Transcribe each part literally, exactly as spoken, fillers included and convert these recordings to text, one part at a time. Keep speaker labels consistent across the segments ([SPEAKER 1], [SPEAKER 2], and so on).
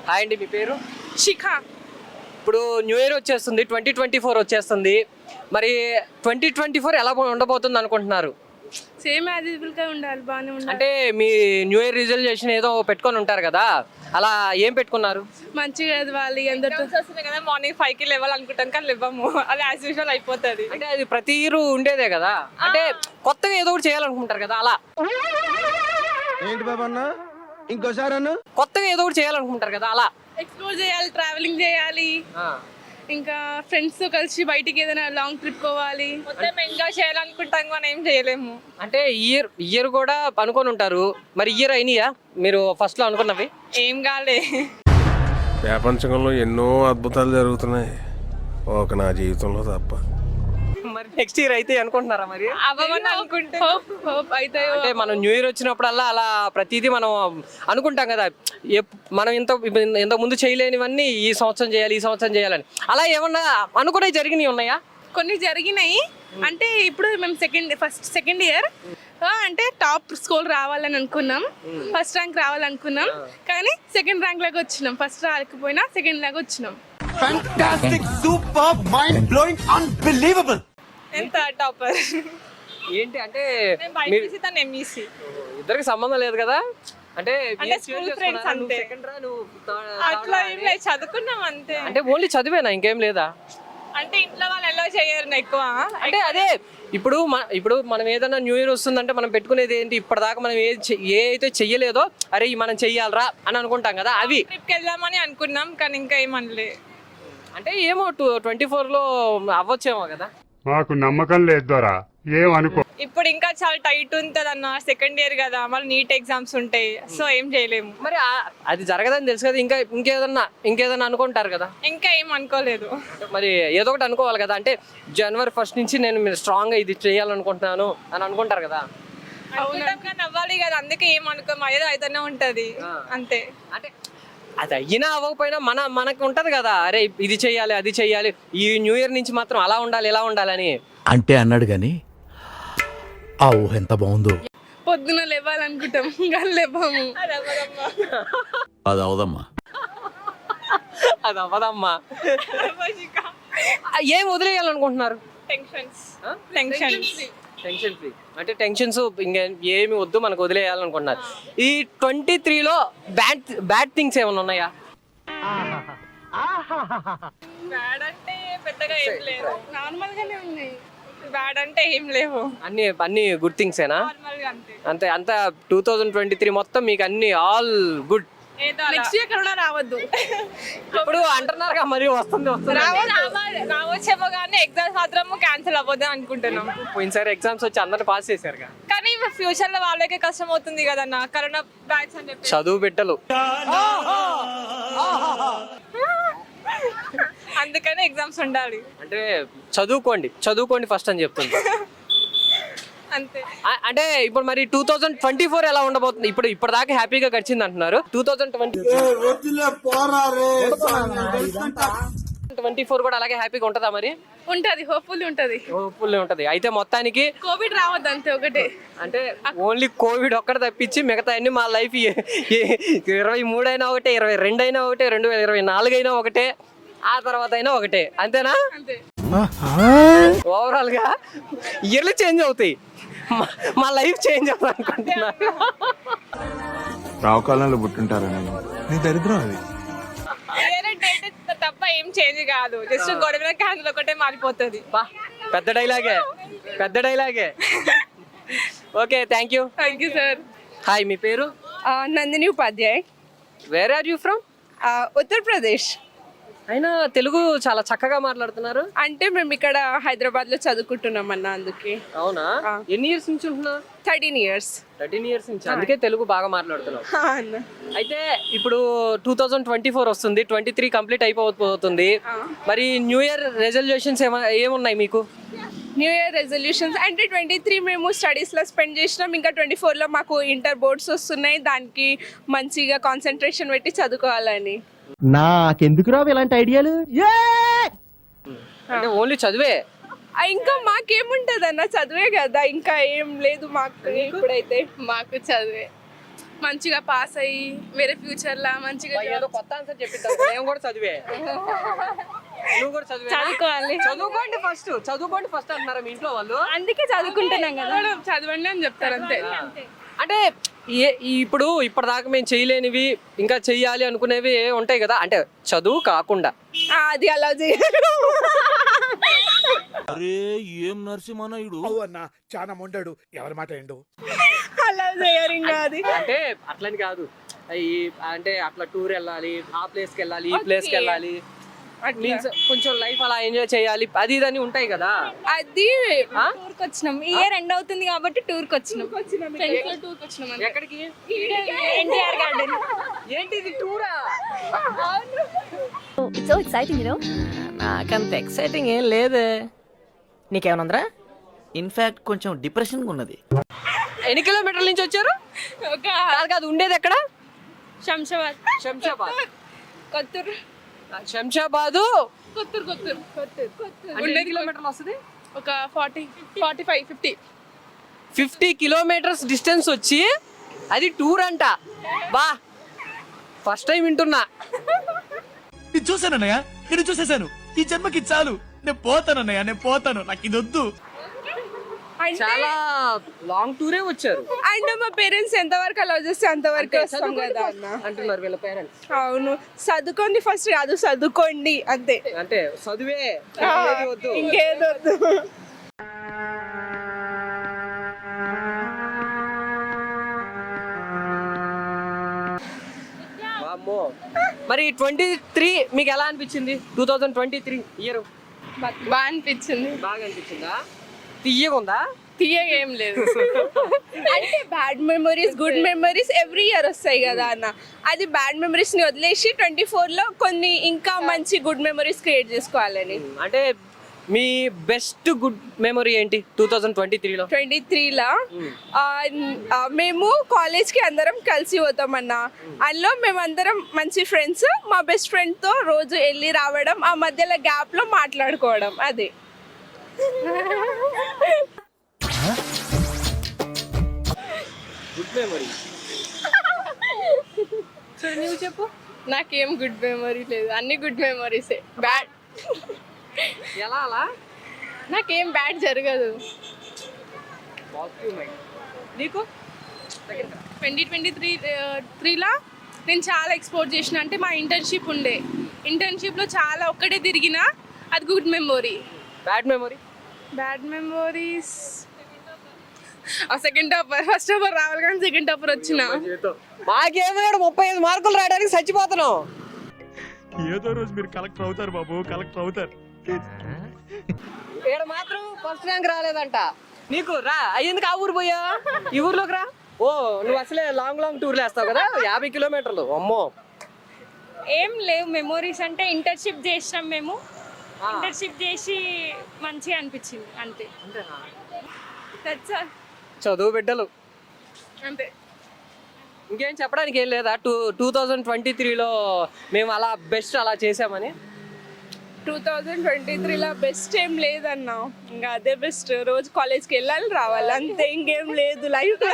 [SPEAKER 1] Hi అండి, మీ పేరు?
[SPEAKER 2] శిఖ.
[SPEAKER 1] ఇప్పుడు న్యూ ఇయర్ వచ్చేస్తుంది, ట్వంటీ ట్వంటీ ఫోర్ వచ్చేస్తుంది. మరి ట్వంటీ ట్వంటీ ఫోర్ ఎలా ఉండబోతుంది అనుకుంటున్నారు?
[SPEAKER 2] సేమ్ యాజ్ యూజువల్ గా ఉండాలి, బాగానే ఉండాలి.
[SPEAKER 1] అంటే మీ న్యూ ఇయర్ రిజల్యూషన్ ఏదో పెట్టుకొని ఉంటారు కదా, అలా ఏం పెట్టుకున్నారు?
[SPEAKER 2] మంచిగా చదవాలి అందరితో.
[SPEAKER 3] వస్తున్నాయి కదా, మార్నింగ్ ఫైవ్ కి లెవెల్ అనుకుంటాం కానీ లేవము, అది యాజ్ యూజువల్ అయిపోతుంది.
[SPEAKER 1] అంటే అది ప్రతి ఇయర్ ఉండేదే కదా, అంటే కొత్తగా ఏదో ఒకటి చేయాలనుకుంటారు కదా, అలా
[SPEAKER 4] ఏంటి బాబన్న ఇంకోసారి అన్న
[SPEAKER 1] కొత్తగా ఏదో ఒకటి చేయాలనుకుంటారు కదా, అలా
[SPEAKER 2] ఎక్స్ప్లోర్ చేయాలి, ట్రావెలింగ్ చేయాలి, ఇంకా ఫ్రెండ్స్ తో కలిసి బయటికి ఏదైనా లాంగ్ ట్రిప్ పోవాలి.
[SPEAKER 3] మొత్తం ఎంజాయ్ చేయాలనుకుంటాం కానీ ఏం చేయలేము.
[SPEAKER 1] అంటే ఇయర్ ఇయర్ కూడా అనుకొని ఉంటారు. మరి ఇయర్ అయినాయా మీరు ఫస్ట్ లో అనుకున్నవి?
[SPEAKER 3] ఏం కాలే.
[SPEAKER 5] ప్రపంచంలో ఎన్నో అద్భుతాలు జరుగుతున్నాయి, ఒక నా జీవితంలో తప్ప.
[SPEAKER 1] మరి నెక్స్ట్ ఇయర్ అయితే అనుకుంటున్నారా? మరి
[SPEAKER 3] అవ్వమని అనుకుంటే
[SPEAKER 2] హోప్ హోప్ అవుతాయో.
[SPEAKER 1] అంటే మనం న్యూ ఇయర్ వచ్చినప్పుడల్లా అలా ప్రతిదీ మనం అనుకుంటాం కదా, ఎప్- మనం ఇంత ఇంత ముందు చేయలేనివన్నీ ఈ సంవత్సరం చేయాలి, ఈ సంవత్సరం చేయాలని. అలా ఏమన్నా అనుకునే జరిగినవి ఉన్నాయా?
[SPEAKER 2] కొన్ని జరిగినాయి. అంటే ఇప్పుడు మేము సెకండ్ ఫస్ట్ సెకండ్ ఇయర్ అంటే టాప్ స్కోర్ రావాలని అనుకున్నాం, ఫస్ట్ ర్యాంక్ రావాలనుకున్నాం, కానీ సెకండ్ ర్యాంక్ లాగా వచ్చినాం. ఫస్ట్ రాకపోయినా సెకండ్ లాగా వచ్చినాం.
[SPEAKER 4] Fantastic super mind blowing unbelievable.
[SPEAKER 3] ఎంత టాపర్.
[SPEAKER 1] ఏంటి అంటే
[SPEAKER 3] నేను బైపీసీ తను ఎంఈసీ.
[SPEAKER 1] ఇద్దరికి సంబంధం లేదు కదా, అంటే
[SPEAKER 3] అంటే school friends అంతే. అట్లా ఏం లేదు, చదువుకున్నాం అంతే.
[SPEAKER 1] అంటే ఓన్లీ చదివేనా, ఇంకేం లేదా?
[SPEAKER 3] అంటే ఇంట్లో వాళ్ళు ఎలా చేయరు ఎక్కువ.
[SPEAKER 1] అంటే అదే ఇప్పుడు మన ఇప్పుడు మనం ఏదైనా న్యూ ఇయర్ వస్తుందంటే మనం పెట్టుకునేది ఏంటి, ఇప్పటిదాకా మనం ఏ చె- ఏ అయితే చెయ్యలేదో అరే ఈ మనం చెయ్యాలరా అని అనుకుంటాం కదా, అవి.
[SPEAKER 3] ట్రిప్కి వెళ్దామని అనుకున్నాం కానీ ఇంకా ఏమనలే.
[SPEAKER 1] అంటే ఏమో టూ ట్వంటీ ఫోర్లో అవ్వచ్చేమో కదా.
[SPEAKER 6] మాకు నమ్మకం లేదు దొరా, ఏమనుకో.
[SPEAKER 3] ఇప్పుడు ఇంకా చాలా టైట్ ఉంటుంది అన్న, సెకండ్ ఇయర్ కదా, మళ్ళీ నీట్ ఎగ్జామ్స్ ఉంటాయి, సో ఏం చేయలేము.
[SPEAKER 1] మరి ఆ- అది జరగదని తెలుసు కదా, ఇంకా ఇంకేదన్నా ఇంకేదన్నా అనుకుంటారు కదా.
[SPEAKER 3] ఇంకా ఏం అనుకోలేదు.
[SPEAKER 1] మరి ఏదో ఒకటి అనుకోవాలి కదా, అంటే జనవరి ఫస్ట్ నుంచి నేను మీరు స్ట్రాంగ్గా ఇది చేయాలనుకుంటున్నాను అని అనుకుంటారు కదా.
[SPEAKER 3] అనుకుంటాం కానీ అవ్వాలి కదా, అందుకే ఏం అనుకోము, ఏదో అయితేనే ఉంటది అంతే.
[SPEAKER 1] అంటే అది అయినా అవ్వకపోయినా మన మనకు ఉంటది కదా, అరే ఇది చెయ్యాలి అది చెయ్యాలి, ఈ న్యూ ఇయర్ నుంచి మాత్రం అలా ఉండాలి ఇలా ఉండాలని.
[SPEAKER 7] అంటే అన్నాడు గాని ఆ ఊహ ఎంత బాగుందో.
[SPEAKER 2] పొద్దున లేవాలనుకుంటాం కానీ లేవాము.
[SPEAKER 7] అది అవదమ్మా,
[SPEAKER 1] అది అవ్వదమ్మా. ఏం వదిలేయాలనుకుంటున్నారు?
[SPEAKER 3] టెన్షన్స్ టెన్షన్స్
[SPEAKER 1] టెన్షన్ ఫ్రీ అంటే టెన్షన్స్ ఇంకా ఏమి వద్దు మనకు వదిలేయాలనుకుంటున్నారు. ఈ ట్వంటీ త్రీలో బ్యాడ్ బ్యాడ్ థింగ్స్ ఏమైనా ఉన్నాయా?
[SPEAKER 3] బ్యాడ్ అంటే పెద్దగా ఏం లేదు,
[SPEAKER 2] నార్మల్ గానే ఉన్నాయి.
[SPEAKER 3] బ్యాడ్ అంటే ఏం లేవు,
[SPEAKER 1] అన్ని అన్ని గుడ్ థింగ్సేనా?
[SPEAKER 3] నార్మల్ గా అంతే.
[SPEAKER 1] అంతే అంతా టూ థౌజండ్ ట్వంటీ త్రీ మొత్తం మీకు అన్ని ఆల్ గుడ్.
[SPEAKER 3] ఏదో అలా.
[SPEAKER 2] నెక్స్ట్ ఇయర్ కరోనా రావద్దు.
[SPEAKER 1] ఇప్పుడు అంటున్నారుగా మరి వస్తుంది వస్తుంది.
[SPEAKER 3] రావాలి, రావచ్చేమో కానీ ఎగ్జామ్స్ మాత్రం క్యాన్సిల్ అవ్వద్దు అనుకుంటున్నాం.
[SPEAKER 1] పోయినసారి ఎగ్జామ్స్ వచ్చి అందరిని పాస్ చేశారుగా.
[SPEAKER 3] కానీ ఫ్యూచర్ లో వాళ్ళకే కష్టం అవుతుంది కదన్న, కరోనా బ్యాచ్ అని చెప్పి.
[SPEAKER 1] చదువు బిడ్డలు
[SPEAKER 3] అందుకని ఎగ్జామ్స్ ఉండాలి.
[SPEAKER 1] అంటే చదువుకోండి చదువుకోండి ఫస్ట్ అని చెప్తుంది.
[SPEAKER 3] అంతే.
[SPEAKER 1] ఆ- అంటే ఇప్పుడు మరి టూ థౌజండ్ ట్వంటీ ఫోర్ ఎలా ఉండబోతుంది? ఇప్పుడు ఇప్పటిదాకా హ్యాపీగా గడిచింది అంటున్నారు. Two thousand twenty twenty four కూడా అలాగే హ్యాపీగా ఉంటుందా? మరి
[SPEAKER 2] ఉంటది, హోప్ఫుల్ ఉంటది.
[SPEAKER 1] ఫుల్ ఉంటది. అయితే మొత్తానికి
[SPEAKER 2] కోవిడ్ రావద్దు అంతే ఒకటే.
[SPEAKER 1] అంటే ఓన్లీ కోవిడ్ ఒక్కటి తప్పించి మిగతా అన్ని మా లైఫ్ ఇరవై మూడు అయినా ఒకటే, ఇరవై రెండు అయినా ఒకటే, రెండు వేల ఇరవై నాలుగు అయినా ఒకటే, ఆ తర్వాత అయినా ఒకటే, అంతేనా?
[SPEAKER 2] అంతే.
[SPEAKER 1] ఓవరాల్ గా ఇయర్లు చేంజ్ అవుతాయి, మా- మా లైఫ్ చేంజ్ అవుతుంది అనుకుంటున్నా.
[SPEAKER 4] రావుకాలంలో పుట్టుంటారని నీ దరిద్రం అది.
[SPEAKER 3] వేరే డేట్ తప్ప ఏం చేంజ్ కాదు, జస్ట్ గొడవ క్యాన్సిల్ ఒకటే మారిపోతుంది.
[SPEAKER 1] బా, పెద్ద డైలాగే పెద్ద డైలాగే. Okay, thank you.
[SPEAKER 2] Thank you sir.
[SPEAKER 1] Hi, మీ పేరు?
[SPEAKER 2] Nandini Upadhyay,
[SPEAKER 1] where are you from?
[SPEAKER 2] Uttar Pradesh.
[SPEAKER 1] అయినా తెలుగు చాలా చక్కగా మాట్లాడుతున్నారు.
[SPEAKER 2] అంటే మేము ఇక్కడ హైదరాబాద్ లో చదువుకుంటున్నాం అన్న, అందుకే.
[SPEAKER 1] అవునా? ఎన్ని ఇయర్స్ నుంచి ఉంటున్నా?
[SPEAKER 2] Thirteen years.
[SPEAKER 1] థర్టీన్ ఇయర్స్ నుంచి, అందుకే తెలుగు బాగా మాట్లాడుతున్నావు. అయితే ఇప్పుడు టూ థౌజండ్ ట్వంటీ ఫోర్ వస్తుంది, ట్వంటీ త్రీ కంప్లీట్ అయిపోతుంది. మరి న్యూ ఇయర్ రెజల్యూషన్స్ ఏమున్నాయి మీకు?
[SPEAKER 2] న్యూ ఇయర్ రెజల్యూషన్స్ అంటే ట్వంటీ త్రీ మేము స్టడీస్లో స్పెండ్ చేసినాం, ఇంకా ట్వంటీ ఫోర్లో మాకు ఇంటర్ బోర్డ్స్ వస్తున్నాయి, దానికి మంచిగా కాన్సన్ట్రేషన్ పెట్టి చదువుకోవాలని.
[SPEAKER 8] నాకెందుకు రావు ఇలాంటి ఐడియాలు?
[SPEAKER 1] అంటే ఓన్లీ చదివే?
[SPEAKER 2] ఇంకా మాకేముంటది అన్న, చదివే కదా, ఇంకా ఏం లేదు మాకు ఇప్పుడైతే. మాకు చదివే. మంచిగా పాస్ అయ్యి వేరే ఫ్యూచర్ లా మంచిగా
[SPEAKER 1] బా, ఏదో కొత్త ఆన్సర్ చెప్పిద్దాం నేను కూడా చదివే నువ్వు కూడా చదివే
[SPEAKER 3] చదువుకోవాలి.
[SPEAKER 1] చదువుకోండి ఫస్ట్ చదువుకోండి ఫస్ట్ అంటున్నారా మీ ఇంట్లో వాళ్ళు
[SPEAKER 3] అందుకే చదువుకుంటున్నాం కదా.
[SPEAKER 2] కూడా చదవండి అని చెప్తారు అంతే.
[SPEAKER 1] అంటే ఏ- ఇప్పుడు ఇప్పటిదాకా మేము చేయలేనివి ఇంకా చెయ్యాలి అనుకునేవి ఉంటాయి కదా అంటే చదువు కాకుండా
[SPEAKER 2] ఆ, అది అలా చేయరు.
[SPEAKER 4] అరే ఏం నరసింహనాయుడు
[SPEAKER 7] అన్న చాలా మొండాడు ఎవరి మాట ఏండు
[SPEAKER 2] అలా చేయరు ఇంకా అది.
[SPEAKER 1] అంటే అట్లని కాదు ఈ అంటే అట్లా టూర్ వెళ్ళాలి ఆ ప్లేస్కి వెళ్ళాలి ఈ ప్లేస్కి వెళ్ళాలి మీన్స్ కొంచెం లైఫ్ అలా ఎంజాయ్ చేయాలి అది ఇది అని ఉంటాయి కదా
[SPEAKER 2] అది
[SPEAKER 3] టూర్కి వచ్చినాం. ఈ ఇయర్ ఎండ్ అవుతుంది కాబట్టి టూర్కి వచ్చినాం.
[SPEAKER 2] ఫ్రెండ్స్ లో టూర్కి వచ్చినాం అంతే.
[SPEAKER 1] ఎక్కడికి
[SPEAKER 3] ఎన్టీఆర్ గార్డెన్.
[SPEAKER 1] ఏంటి ఇది టూరా
[SPEAKER 3] సో ఎక్సైటింగ్ యు నో.
[SPEAKER 9] నాకంత ఎక్సైటింగ్ ఏం లేదే నీకేమనుందిరా ఇన్ఫాక్ట్ కొంచెం డిప్రెషన్గా ఉన్నది
[SPEAKER 1] ఎన్ని కిలోమీటర్ల నుంచి వచ్చారు
[SPEAKER 2] ఒక
[SPEAKER 1] కాదు కాదు ఉండేది ఎక్కడ
[SPEAKER 2] శంషాబాద్
[SPEAKER 1] శంషాబాద్
[SPEAKER 2] కొత్తూరు
[SPEAKER 1] శంషాబాదు
[SPEAKER 2] కొత్తూరు కొత్తూరు కొత్తూరు కొత్తూరు
[SPEAKER 1] అంటే ఎన్ని కిలోమీటర్లు వస్తుంది
[SPEAKER 2] ఒక forty forty five fifty
[SPEAKER 1] fifty kilometres distance వచ్చి అది టూర్ అంట బా ఫస్ట్ టైం వింటున్నా
[SPEAKER 8] ఇది చూసానన్నయ్య నేను చూసేశాను ఈ జన్మకి చాలు నేను పోతానన్నయ్య నేను పోతాను నాకు ఇది వద్దు
[SPEAKER 1] చాలా లాంగ్ టూరే వచ్చారు
[SPEAKER 2] అండ్ మా పేరెంట్స్ ఎంతవరకు అలౌ చేస్తే అంతవరకు వస్తాం కదా అన్న.
[SPEAKER 1] అంటున్నారు వీళ్ళ పేరెంట్స్
[SPEAKER 2] అవును చదువుకోండి ఫస్ట్ కాదు చదువుకోండి అంతే.
[SPEAKER 1] అంటే చదువే
[SPEAKER 2] ఆ,
[SPEAKER 1] ఏది వద్దు
[SPEAKER 2] ఇంకేదో వద్దు.
[SPEAKER 1] వామ్మో. మరి ట్వంటీ త్రీ మీకు ఎలా అనిపించింది two thousand twenty three year
[SPEAKER 2] బాగా అనిపించింది.
[SPEAKER 1] బాగా అనిపించిందా తీయగా ఉందా
[SPEAKER 2] తీయగా ఏం లేదు అంటే bad memories good memories every year వస్తాయి కదా అన్న. అది బ్యాడ్ మెమరీస్ ని వదిలేసి ట్వంటీ ఫోర్ లో కొన్ని ఇంకా మంచి గుడ్ మెమరీస్ క్రియేట్ చేసుకోవాలని.
[SPEAKER 1] అంటే మీ బెస్ట్ గుడ్ మెమరీ ఏంటి టూ థౌజండ్ ట్వంటీ త్రీలో
[SPEAKER 2] ట్వంటీ త్రీలో మేము కాలేజ్కి అందరం కలిసి పోతామన్న. అందులో మేమందరం మంచి ఫ్రెండ్స్ మా బెస్ట్ ఫ్రెండ్తో రోజు వెళ్ళి రావడం ఆ మధ్యలో గ్యాప్లో మాట్లాడుకోవడం అదే.
[SPEAKER 1] గుడ్ మెమరీ సో నువ్వు చెప్పు
[SPEAKER 2] నాకేం గుడ్ మెమరీ లేదు, అన్ని గుడ్ మెమరీసే. బ్యాడ్
[SPEAKER 1] ఎలా అలా
[SPEAKER 2] నాకేం బ్యాడ్ జరగదు.
[SPEAKER 1] పాజిటివ్ మైండ్ నీకు
[SPEAKER 2] ట్వంటీ ట్వంటీ త్రీ త్రీలో నేను చాలా ఎక్స్పోర్ట్ చేసిన అంటే మా ఇంటర్న్షిప్ ఉండే. ఇంటర్న్షిప్లో చాలా ఒక్కడే తిరిగిన అది good memory.
[SPEAKER 1] Bad memory
[SPEAKER 2] bad memories second topper first topper రావాలి కానీ సెకండ్ టాపర్ వచ్చిన.
[SPEAKER 1] మాకేమో ముప్పై ఐదు మార్కులు రాయడానికి చచ్చిపోతున్నాం.
[SPEAKER 8] ఏదో రోజు మీరు కలెక్టర్ అవుతారు బాబు కలెక్టర్ అవుతారు.
[SPEAKER 1] ఇక్కడ మాత్రం ఫస్ట్ ర్యాంక్ రాలేదంట నీకు. రా అయ్యేందుకు ఆ ఊరు పోయా ఈ ఊర్లోకి రా. ఓ నువ్వు అసలే లాంగ్ లాంగ్ టూర్లు వేస్తావు కదా యాభై కిలోమీటర్లు అమ్మో.
[SPEAKER 3] ఏం లేవు మెమోరీస్ అంటే ఇంటర్న్షిప్ చేసినాం మేము. ఇంటర్న్షిప్ చేసి మంచిగా అనిపించింది అంతే. That's all.
[SPEAKER 1] చదువు బిడ్డలు
[SPEAKER 2] అంతే.
[SPEAKER 1] ఇంకేం చెప్పడానికి ఏం లేదా టూ టూ థౌజండ్ ట్వంటీ త్రీలో మేము అలా బెస్ట్ అలా చేసామని.
[SPEAKER 2] టూ థౌజండ్ ట్వంటీ త్రీలో బెస్ట్ ఏం లేదన్నా, ఇంకా అదే బెస్ట్. రోజు కాలేజ్కి వెళ్ళాలి రావాలి అంతే, ఇంకేం లేదు లైఫ్.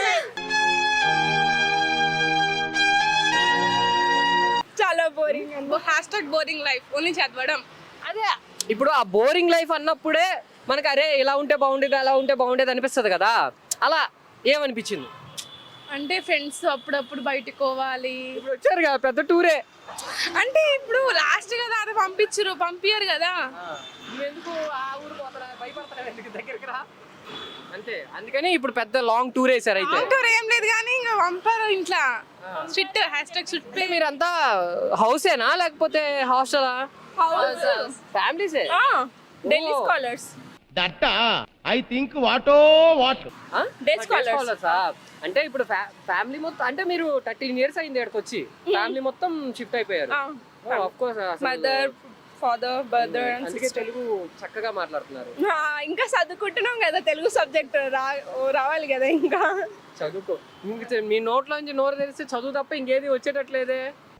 [SPEAKER 2] చాలా boring hashtag boring life only చదవడం.
[SPEAKER 1] అదే ఇప్పుడు ఆ బోరింగ్ లైఫ్ అన్నప్పుడే మనకు అరే ఇలా ఉంటే బాగుండేది అలా ఉంటే బాగుండేది అనిపిస్తుంది కదా. అలా ఏమనిపించింది
[SPEAKER 2] అంటే ఫ్రెండ్స్ అప్పుడప్పుడు బయటకు పోవాలి.
[SPEAKER 1] ఇప్పుడు వచ్చారు కదా పెద్ద టూరే.
[SPEAKER 2] అంటే ఇప్పుడు లాస్ట్ కదా అది పంపించరు పంపించరు కదా.
[SPEAKER 1] ఎందుకు ఆ ఊరు పోతారా భయపడతారా ఎందుకు దగ్గరికి రా అంతే. అందుకని ఇప్పుడు పెద్ద లాంగ్ టూర్ వేసారు. అయితే
[SPEAKER 2] అంటారు ఏం లేదు కానీ ఇంకా పంపారు ఇంట్లో స్ట్రిక్ట్ హ్యాష్ ట్యాగ్ స్ట్రిక్ట్.
[SPEAKER 1] మీరంతా హౌసేనా లేకపోతే హాస్టలా ఫ్యామిలీసే
[SPEAKER 2] Delhi scholars.
[SPEAKER 8] That I think వాటో వాట్
[SPEAKER 2] డే స్కాలర్స్.
[SPEAKER 1] అంటే ఇప్పుడు ఫ్యామిలీ మొత్తం అంటే మీరు థర్టీన్ ఇయర్స్ అయింది ఇక్కడికి వచ్చి ఫ్యామిలీ మొత్తం షిఫ్ట్ అయిపోయారు. Of course
[SPEAKER 2] mother father brother
[SPEAKER 1] అందుకే తెలుగు చక్కగా మాట్లాడుతున్నారు.
[SPEAKER 2] ఇంకా చదువుకుంటున్నాం కదా తెలుగు సబ్జెక్ట్ రా రావాలి కదా ఇంకా
[SPEAKER 1] చదువుకో. ఇంక మీ నోట్లో నుంచి నోరు తెలిస్తే చదువు తప్ప ఇంకేది వచ్చేటట్లేదే.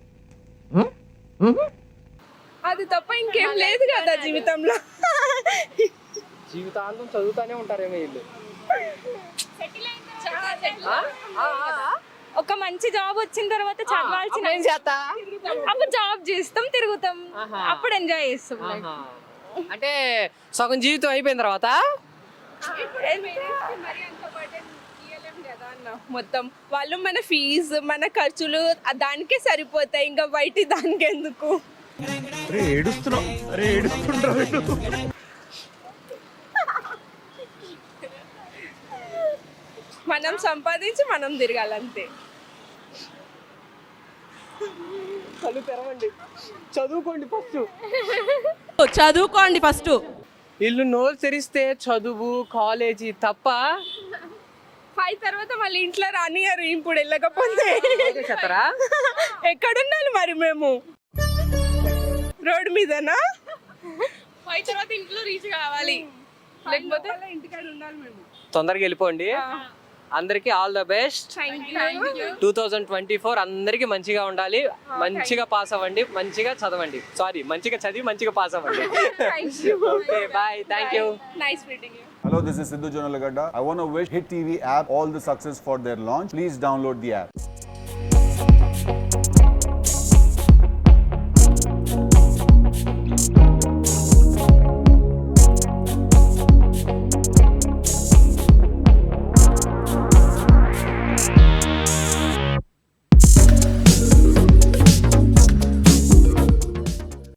[SPEAKER 2] అది తప్ప ఇంకేం లేదు కదా జీవితంలో.
[SPEAKER 1] జీవితాంతం చదువుతానే ఉంటారేమో వీళ్ళు.
[SPEAKER 2] ఒక మంచి జాబ్ వచ్చిన తర్వాత చదవాల్సిన
[SPEAKER 1] ఏం చేస్తా
[SPEAKER 2] అప్పుడు జాబ్ చేస్తాం తిరుగుతాం అప్పుడు ఎంజాయ్ చేస్తాం
[SPEAKER 1] ఆహా. అంటే సగం జీవితం అయిపోయిన తర్వాత
[SPEAKER 2] మొత్తం వాళ్ళు మన ఫీజు మన ఖర్చులు దానికే సరిపోతాయి, ఇంకా బయట దానికి ఎందుకు.
[SPEAKER 8] ఏడుస్తున్నావు అరే ఏడుస్తుండ్రా
[SPEAKER 2] మనం సంపాదించి మనం తిరగాలంతే.
[SPEAKER 1] కళ్ళు తెరవండి, చదువుకోండి ఫస్ట్.
[SPEAKER 2] చదువుకోండి ఫస్ట్.
[SPEAKER 1] వీళ్ళు నోరు తెరిస్తే చదువు కాలేజీ తప్ప
[SPEAKER 2] ఫైవ్ తర్వాత మళ్ళీ ఇంట్లో రానియారు ఇప్పుడు వెళ్ళకపోతే.
[SPEAKER 1] చెత్తరా
[SPEAKER 2] ఎక్కడుండాలి మరి మేము? రోడ్డు మీదనా? ఫైవ్ తర్వాత ఇంట్లో రీచ్ కావాలి, లేకపోతే ఇంటికాడ ఉండాలి మేము.
[SPEAKER 1] తొందరగా వెళ్ళిపోండి. అందరికి all the best. Two thousand twenty four అందరికి మంచిగా ఉండాలి, మంచిగా పాస్ అవ్వండి, మంచిగా చదవండి. సారీ, మంచిగా చదివి మంచిగా పాస్ అవ్వండి. Okay bye, thank you.
[SPEAKER 2] Nice meeting you.
[SPEAKER 10] Hello, this is Sidhu Jonalagada. I want to wish Hit T V app all the success for their launch. Please download the app.